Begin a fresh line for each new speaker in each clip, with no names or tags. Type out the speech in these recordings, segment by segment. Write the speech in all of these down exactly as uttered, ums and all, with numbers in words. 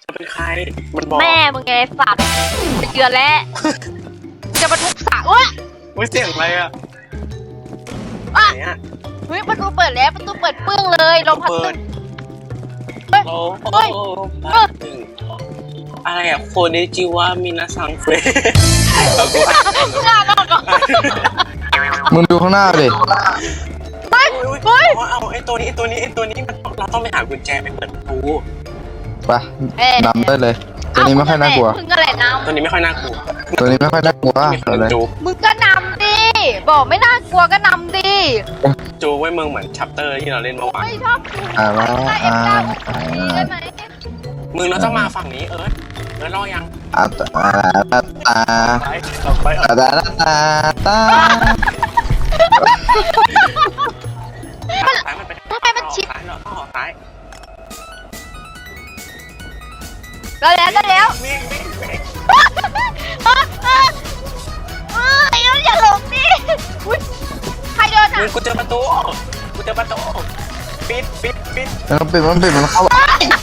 เป็นใครมันบอก
แม่มึงไงสัตว์เดือนแล้วจะมาทุบสระวะ
ไม่เสียงอะไรอ่ะ
อ่ะ
ไหนอ่ะ
เฮ้ยประตูเปิดแล้วประตูเปิดปึ้งเลยลมพัดตึ้งเฮ้ย
โอ้โห
เฮ้ย
อะไรอ่ะโคเนจิวะมินาซังเฟรเราก็อ่าน
งานออกก่อน
มึงดูข้างหน้าดิ
เฮ้ย
เฮ้
เฮ้
ย
ย
เอาไอ้ตัวนี้ไอ้ตัวนี้ไอ้ตัวนี้มันเราต้องไปหากุญแจไปเปิดประตู
ไปนำได้เลย ตัวนี้ไม่ค่อยน่ากลัว
มึงก็แหละน
ตัวนี้ไม่ค่อยน่ากลัว
ตัวนี้ไม่ค่อยน่ากลัว
มีค
เอา
น
เลย
จู
ำมึงก็นำดิบอกไม่น่ากลัวก็นำดิ
จูไว้มึงเหมือนชัปเตอร์ที่เราเล่นเมื่อวาน
ไม่ชอบดู
อ่าว่า
ได้เอ็
อ่าม
เก้า
อ่า
ดีได้ไหม
มึงเราต้องมาฝั่งนี้เอิร์ธเอิร์ธรอยัง
อ่าตาตาตา
ไปเราไป
ตาตาตาตา
ซ้ายมันไป
ทำไมมันชิด
ซ้ายเราต้องออกซ้าย
แล้วแล้วแล้วแล้ว
วิ่งวิ่งวิ่ง
เออเออเออไอ้เราอย่าหลงดิอุ๊ยใครเดิน
มึ
อ่ะ
งกูเจอประตูกูเจอประตูปิดปิดปิด
มันปิดมันปิดมันเข้ามัน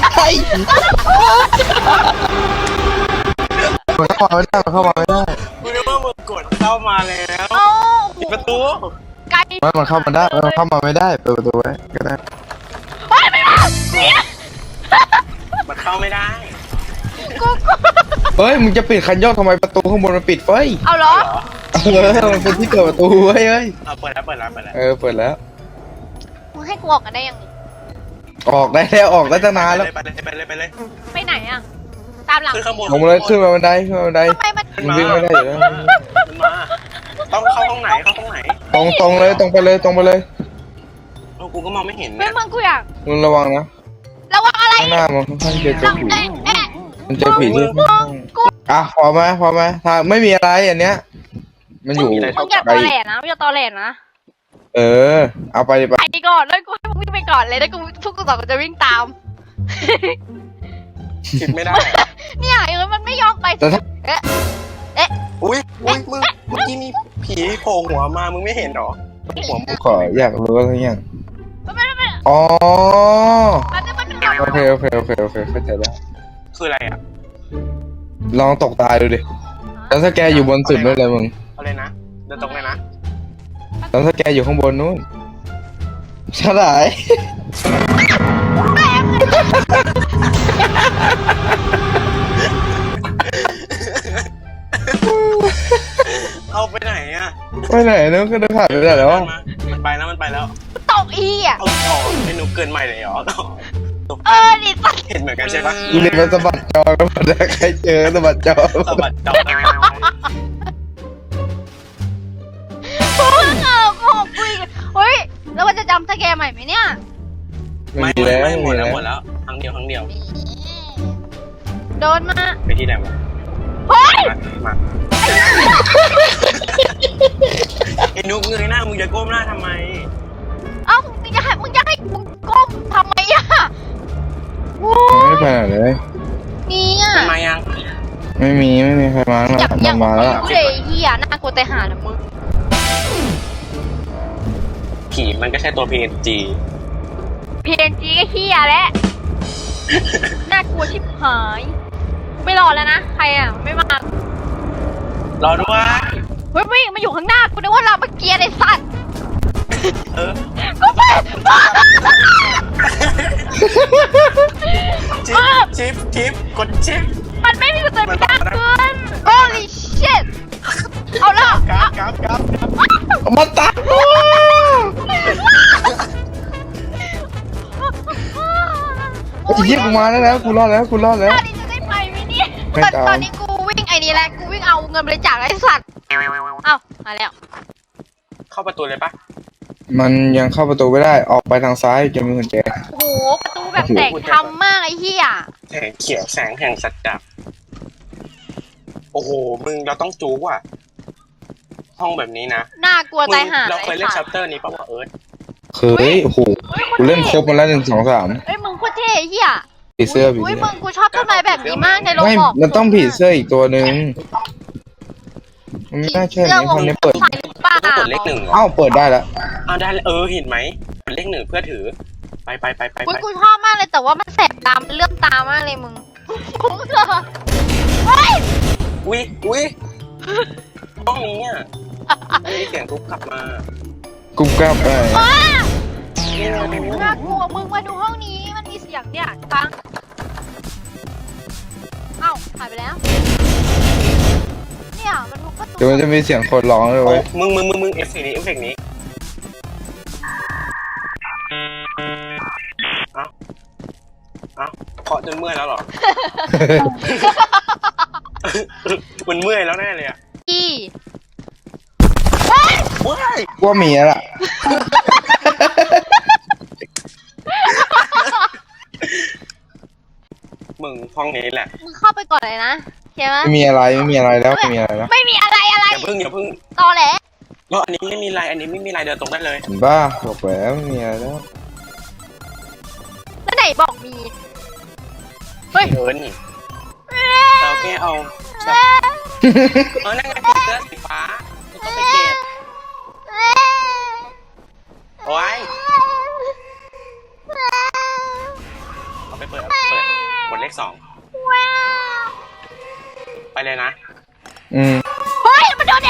เข้ามาไม่ได้มันเข้ามาไม่ได้
กูนึกว่ามึงกดเข้ามาแล้ว
เอ้า
ปิดประตู
ไกล
ไม่มันเข้ามาได้มันเข้ามาไม่ได้เปิดประตูไว้ก็ได้
เฮ้ยไม่มาเนี่ย
มันเข้าไม่ได้
กูกู
เฮ้ยมึงจะปิดคันโยกทำไมประตูข้างบนมันปิดเฟ้ย
เอาเหรอ
เออมันเป็นที่เปิดประตูเว้ยเฮ้ย
เอาเปิดแล้วเปิดแล้วเปิดแล้ว
เออเปิดแล้ว
มึงให้กูออกกันได้ยังไง
ออกได้แล้วออกได้ตั้งนานแล้ว
ไปเลยไปเลยไปเลย
ไปไหนอ่ะตามหลัง
ขึ้นข้างบน
ลงมาเลยขึ้นมาบันไดขึ้นมาบันได
ทำไมมัน
มันวิ่งไม่ได้อยู่แล้ว
มันมาต้องเข้าห้องไหนเข้าห้องไหน
ตรงตรงเลยตรงไปเลยตรงไปเลย
เออกูก็มองไม่เห็น
เฮ้
เนี่ย ย
มึงกูอยาก
มึงระวังนะ
ระวังอะไร
ข้างหน้ามันค่อนข้างจะเจอผี
เอ๊ะเอ๊ะ
มันเจอผีที่
มึงกู
อ่ะพอไหมพอไหมถ้าไม่มีอะไรอันเนี้ย มันอยู่
มึงอย่าตอแหลนะมึงอย่าตอแหลนะ
เออ เอาไปดิไป
ไปก่อนแล้วกูให้มึงวิ่งไปก่อนเลยแล้วกูทุกคนสองคนจะวิ่งตาม
คิดไม่ได้
เนี่ยเออมันไม่ยอมไป
แต่ถ้า
เอ๊ะเอ๊ะ
อุ้ยอุ้ยมึงเมื่อกี้มีผีโผล่หัวมามึงไม่เห็นหรอหัวมึง
ขออยากรู้อะไรอย่าง
มันไม่ไม่
อ๋อ
มันไม่มันไม่
โอเคโอเคโอเคโอเคเข้าใจแล้ว
คืออะไรอ่ะ
ลองตกตายดูดิแล้วถ้าแกอยู่บนสุดนู่นเลยมึง
เอาเลยนะเดินตรงเลยนะ
แล้วถ้าแกอยู่ข้างบนนู่นฉลาย
เอาไปไหนอ่ะ
ไปไหนนู้นก็เดินผ่านไปได้แล้ว
มันไปแล้วมันไปแล้ว
ตกอีอ่ะ
เอาต่อไอ้หนูเกินใหม่เลยเหรอ
เออดิสัตว์
เห็นเหมือนกันใช่ปะ
อีเล็กมันสะบัดจอกันหมดแล้วใครเจอสะบัดจอ
สะบัดจอ
กูเอากูคุยเฮ้ยแล้วมันจะจำสแกมใหม่ไหมเนี่ย
ไม่
มีแล้ว
ไม่หม
มี
ดแล้ว
แล้ว
หมดแล้วครั้งเดียวครั้งเดียว
โดนมา
ไปที่ไหนวะ
เฮ้ย
มาไอ้นุ๊กเงยหน้ามึงจะก้มหน้าทำไม
เอ้ามึงจะให้มึงจะให้มึงก้มทำไมอ่ะโอ้
ไม่ไปไหนเลย
นี่อ่ะ
ทำไมยัง
ไม่มีไม่มีใครมา
อยากอยาก
มาแล้ว
กูเลยเฮียน่ากลัวแต่หานะมึง
ผีมันก็แค่ตัว พี เอ็น จี
พีเอ็นจีก็เฮียแล้วน่ากลัวชิบหายไม่รอแล้วนะใครอ่ะไม่มาร
อด้วย
เฮ้ยวิ่งมาอยู่ข้างหน้ากูนึกว่าเราเมื่อกี้ไอ้สัตว์
เออ
กูไป
ชิปชิปชิปกดชิป
มันไม่มีตัวมันยากเกิน holy shit เอาละ
กราฟกราฟกราฟ
มาตัดไอ้เหี้ยกูมาแล้วนะกูรอดแล้วกูรอดแล้ว
ตอนนี้จะได้ไปไหมเนี่ย
ไม่ตาม
ตอนนี้กูวิ่งไอ้นี่แหละกูวิ่งเอาเงินบริจาคไอ้สัตว์เอ้ามาแล้ว
เข้าประตูเลยปะ
มันยังเข้าประตูไม่ได้ออกไปทางซ้ายจะมีกุญแจ
โอ้โหประตูแบบแสงทำมากไอ้เหี้ย
แสงเขียวแสงแห่งสัจจะโอ้โหมึงเราต้องจู๊ว่ะห้องแบบนี้นะ
น่ากลัวใจหา
เราเคยเล่น
ไอ้
ชั
สั
ป
ตว์
เตอร์นี้ป่าวะเอิร์ธ
เคยโอ้โหกูเล่นครบมาแล้วหนึ่งสองสาม
เอ้ยมึงโคตรเท่ไอ้เหี้ย
ผีเสื้อผี
อุ้ย
เสื้
มึ
อง
กูชอบต้นไม้แบบนี้มากในโรง
ไม่
บอก
มันต้องผีเสื้ออีกตัวหนึ่งมันไม่น่าใช่
เสื้อ
ใน
ว
ค
ง
นนี้เปิด
ใส่หรือเปล่า
ต้องกดเลขหนึ่งเหรอ
เอ้าเปิดได้แล้ว
อ้าวได้เออเห็นไหมกดเลขหนึ่งเพื่อถือ ไปไปไปไป
อุ้ย
ไป
กูชอบมากเลยแต่ว่ามันแสบตามันเลื่อมตามากเลยมึงโคกูเถอะเฮ้ย
อุ้ยอุ้ยห้องนี้อ่ะไม่มีเสียงทุบกลับมา
กุมกลับไป
ว้า
เนี่ย
น่ากลัวมึงมาดูห้องนี้มันมีเสียงเนี่ยฟังเอ้าหายไปแล้วเนี่ยมันทุบประตู
เดี๋ยวมันจะมีเสียงคนร้องเลย
โอ้
เว้ย
มึงมึงมึงมึงเอฟซีนี้เอฟเฟกต์นี้เอ้าเอ้าเคาะจนเมื่อยแล้วเหรอ มันเมื่อยแล้วแน่เลยอ่ะ
อี
ว้าย
ว่ามีแล้วล่ะ
มึงห้องนี้แหละ
มึงเข้าไปก่อนเลยนะใช่ไหม
ไม่มีอะไรไม่มีอะไรแล้วไม่มีอะไรแล้ว
ไม่มีอะไรอะไร
อย่าพึ่งอย่าพึ่ง
ตอแหล
แล้วอันนี้ไม่มีลายอันนี้ไม่มีลายเดินตรงได้เลย
เห็นบ้าบอกแล้วไม่มีอะไรแล้ว
แล้วไหนบอกมีเฮ้ย
เดินนี่เราแค่เอาแบบเออนั่นไงผีเสื้อสีฟ้ากูต้องไปเก็บโอ้ยเอาไปเปิดเอาไปเปิดกดเลขสองไปเลยนะ
อืม
เฮ้ยมันโดนเอง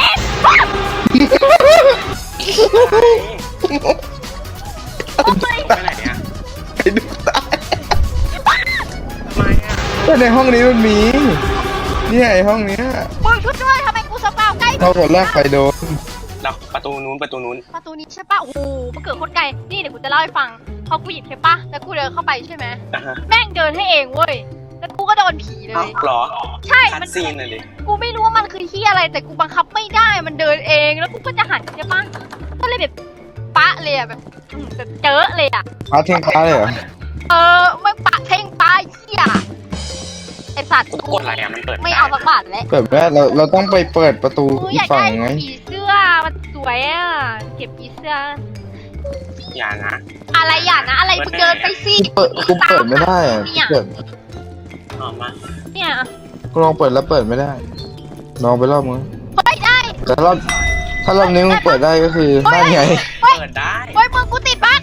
ไปไหนเนี่ย
ไอ้ดูตาย
ทำไมอ่ะ
แต่ในห้องนี้มันมีเนี่ยไอ้ห้องเนี้ย
มึงช่วยด้วยทำไมกูสปาวใกล้
เข้าคนแรกไปโดน
เราประตูนู้นประตูนู้น
ประตูนี้ใช่ปะโอ้โหมันเกิดโคตรไกลนี่เดี๋ยวกูจะเล่าให้ฟังพอกูหยิบใช่ปะแล้วกูเดินเข้าไปใช่ไหม
อ่ะฮะ
แม่งเดินให้เองเว้ยแล้วกูก็โดนผีเล
เอ้าย เหรอ
ใช่
คัด
มัน
ซีนเลยดิ
กูไม่รู้ว่ามันคือที่อะไรแต่กูบังคับไม่ได้มันเดินเองแล้วกูก็จะหันใช่ปะก็เลยแบบปะเลยอะแบบอืมแบบเจอเลยอะ
พาเทงพาเลยเหรอ
เออไม่ปะเท่งปะเหี้ยไอสัตว์
กูกดอะไรอ่ะมันเปิด
ไม่เอาสักบาทแล้ว
เปิดไม่ได้เราเราต้องไปเปิดประตู
กู
อี
อก ยาก
ฝั่ง
ได้
ไง
ผีเสื้อมันสวยอ่ะเก็บผีเสื้อ
อย่านะ
อะไรอย่างนะอะไรมึงเดินไปสิ
กูเปิดกูเปิดไม่ได้อะกูเปิด
ออกมา
เนี่ย
กูลองเปิดแล้วเปิดไม่ได้ลองไปรอบมึง
เฮ้ยได้
แต่ถ้ารอบถ้ารอบนี้มึงเปิดได้ก็คือนั่นไง
เฮ้ย
เปิดได้
เฮ้ยมึงกูติดบั๊ก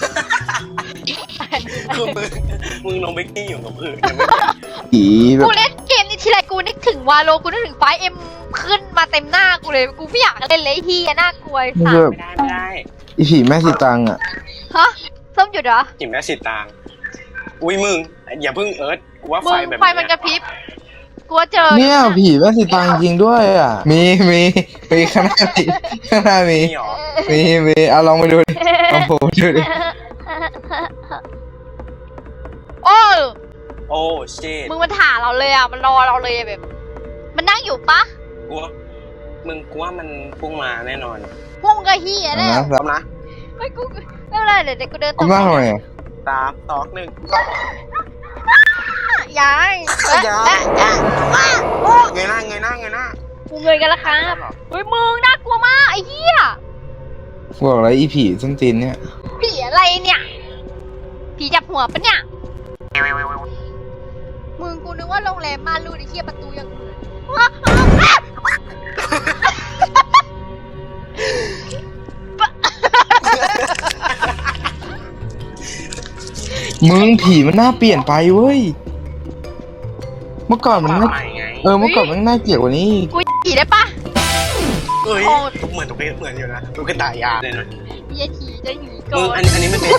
คือมึงมึงลงไปกี้อยู่กับพื้น
ผีแบ
กู
บ
เล่นเกมนี้ทีไรกูนึกถึงวาโลกูนึกถึงไฟเอ็มขึ้นมาเต็มหน้ากูเลยกูไม่อยากเล่นเลยไอ้เฮียน่ากลัวไอ้
มัน
สั
คือ
ส
แบบ
ไม่ได้ไม่ได้
อีผีแม่สีตังอ่ะ
ฮะส้มหยุดเหรอ
จิ๋มแม่สิตางอุ้ยมึงอย่าเพึ่งเอิร์ธกูว่า
มึ
ไฟ
ง
แบบ
ไฟมันกระพริบกลัวเจอ
เนี่ยผีแม่สีตังจริงด้วยอ่ะ มีมีมีข้างหน้ามีข้างหน้ามี
นี่หรอ
มีมีเอาลองไปดูดิลองโผล่ดูดิ
โอ้
โอ้ชิต
มึงมันถ่าเราเลยอ่ะมันรอเราเลยแบบ มันนั่งอยู่ปะ
กูว่ามึงกูว่ามันพุ่งมาแน่นอน
พุ่งกระเฮีย
เอา
แน่
นะ
พร้อมนะ
ไม่กูไม่เป็นไรเดี๋ยวเดี๋ยวกูเดิน
เอามาทำไมอ่ะ
สามสองหนึ่ง
ยาย
อย่า
และและว้าโอ้
เงยหน้าเงยหน้าเงยหน้า
กูเงยกันแล้วครับเฮ้ยมึงน่ากลัวมากไอ้เหี้ย
บอกอะไรอีผีส้นตีนเนี่ย
ผีอะไรเนี่ย ผีจับหัวปะเนี่ย มึงกูนึกว่าโรงแรมม่านรูดไอ้เหี้ยประตูยังเปิดว้าวอ้าว
มึงผีมันน่าเปลี่ยนไปเว้ย เมื่อก่อนมันน่า
ใหม่ไง
เออเมื่อก่อนมันน่าเกลียดกว่านี้อีก
กูผีได้ปะ
เอ้ย
โอ้
เหมือนตุ๊กตาเหมือนอยู่นะตุ๊กตายาเลยนะ
เหี้ยผีจะหนีก่
มึ
อง
อั
น
นอันนี้ไม่เป็น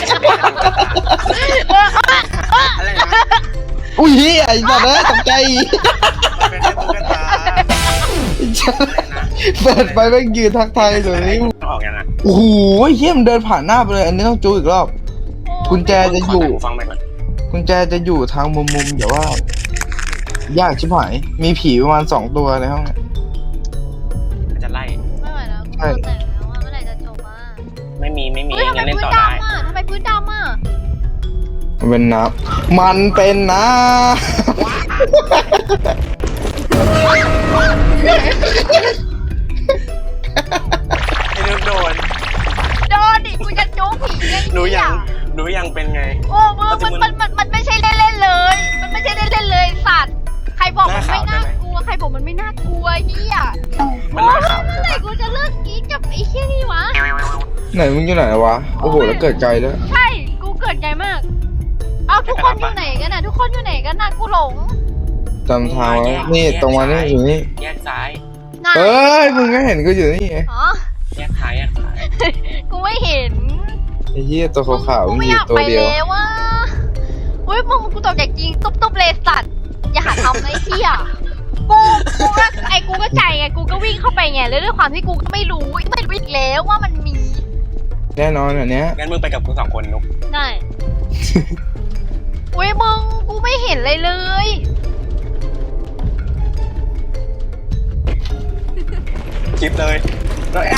อะไรนะ
อุ้ยไอ้สัตว์เอ้ยตกใจ
มันเป็นแค่ตุ๊กตาอะไรนะ
เปิดไปแม่งยืนทักทายอยู่นี่
ออกยังไง
โอ้โหเฮี้ยมนเดินผ่านหน้าไปเลย อันนี้ต้องจูอีกรอบ กุญแจจะอยู่
ฟังไปก่อน
กุญแจจะอยู่ทางมุมมุมๆเดี๋ยวว่า ยากชิบหาย มีผีประมาณสองตัวในห้องเนี่ย
มันจะไล่
ไม่ไหวแล้วกู
ใช่
ตัวแตกแล้วว่าเมื่อไหร่จะจบอ่ะ
ไม่มีไม่มี
เฮ้ยทำไม
งั้นเล่น
พื้น
ต่อได้
ดำอ่ะทำไมพื้นดำอ่ะ
มันเป็นน้ำมันเป็นน้
ไอ้นุ๊กโดน
โดนดิกูจะโจ๊กผีไง
หนูยั
เหี้
งหนูยังเป็นไง
โอ้มึงมันมันมันมันไม่ใช่เล่นๆเลย มันไม่ใช่เล่นๆเลยสัตว์ ใครบอกมันไม่น่ากลัว ใครบอกมันไม่น่ากลัวเฮีย
มัน
โอ้
น่าย ขำ
เมื่อไหร่กูจะเลิกกรีดกับไอ้เชี่ยนี่วะ
ำไหนมึงอยู่ไหนวะ โอ้โห แล้วเกิดไกลด้วย
ใช่ กูเกิดไงมาก เอาทุกคนอยู่ไหนกันน่ะ ทุกคนอยู่ไหนกันน่ะ กูหลง
จำทางไว้นี่ตรงมานี่อยู่นี่
แยกซ้าย
น่า
เอ้ยมึงก็เห็นกูอยู่นี่ไง
อ๋อ
แยกซ้ายแยกซ้าย
กูไม่เห็น
ไอ้เหี้ยตัวขาว
กู
ๆมี
ไม่
อ
อยู่ ยาก
ตัว
ไป
เดียว
แล้วว่ะอุ้ยมึงกูตกจากจริงตุ๊บตุ๊บเลยสัตว์อย่าหาทำนะไอ้เหี้ยกูกูก็ไอ้กูก็ใจไงกูก็วิ่งเข้าไปไงแล้วด้วยความที่กูก็ไม่รู้ไม่รู้อีกแล้วว่ามันมี
แน่นอนอันเนี้ย
งั้นมึงไปกับกูสองคนนุ๊ก
ได้ อุ้ยมึงกูไม่เห็นเลยเลย
คลิปเลยเลย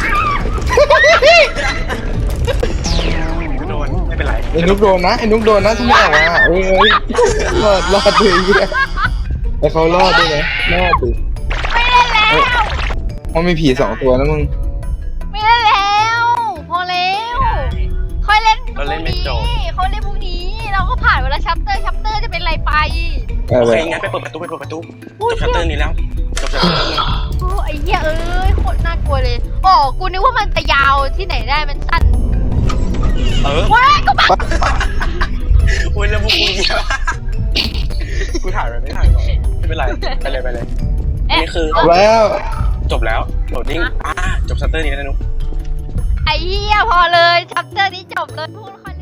โดนไม่เป็นไร
ไอ้นุกโดนนะไอ้นุกโดนนะที่ไม่ออกมาเอ้ยเอ้ยรอดรอดด้วยไอ้เหี้ยไอ้เขารอดด้วยนะรอดดิ
ไม่เล่นแล้ว
มันมีผีสองตัวนะมึง
ไม่เล่นแล้ว พอแล้วค่อยเล่นพ
เรา
รุ่
เล่น
ง
ไม่
นี้
จบ
ค่อยเล่นพรุ่งนี้ เราก็ผ่านเวลาชัปเตอร์ชัปเตอร์จะเป็นไรไป
เอ
โอ
อ
เคงั้นไปเปิดประตูไปเปิดประตู
พูด
จบชัตเตอร์นี้แล้วจบชัตเตอร์นี้
โอ้ไอ้เหี้ยเอ้ยโคตรน่ากลัวเลยอ๋อกูนึกว่ามันจะยาวที่ไหนได้มันสั้น
เออ
ว้ายกูบ้า
โอ้ยแล้วพวกกูเยอะกูถ่ายไปไม่ถ่ายก่อนไม่เป็นไรไปเลยไปเลยอันนี้คือ
จบแล้ว
จบแล้วโหลดดิ้งอ่าจบชัตเตอร์นี้แล้วนะนุ๊ก
ไอ้เหี้ยพอเลยชัปเตอร์นี้จบเลยพูดค่อย